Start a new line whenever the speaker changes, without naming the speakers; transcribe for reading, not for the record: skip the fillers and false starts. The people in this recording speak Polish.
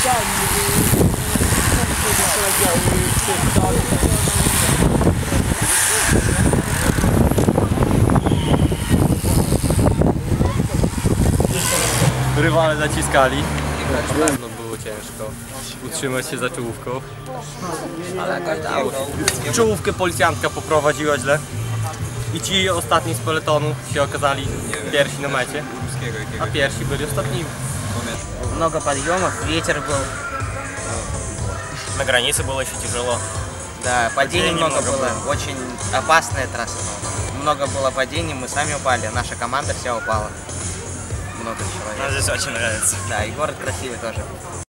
Rywale zaciskali. Na pewno było ciężko utrzymać się za czołówką. Ale jakoś dało. Czołówkę policjantka poprowadziła źle. I ci ostatni z peletonu się okazali pierwsi na mecie, a pierwsi byli ostatnimi.
Много подъемов, ветер был.
На границе было еще тяжело.
Да, падений много было. Очень опасная трасса. Много было падений, мы сами упали, наша команда вся упала. Много человек.
Нам здесь очень нравится.
Да, и город красивый тоже.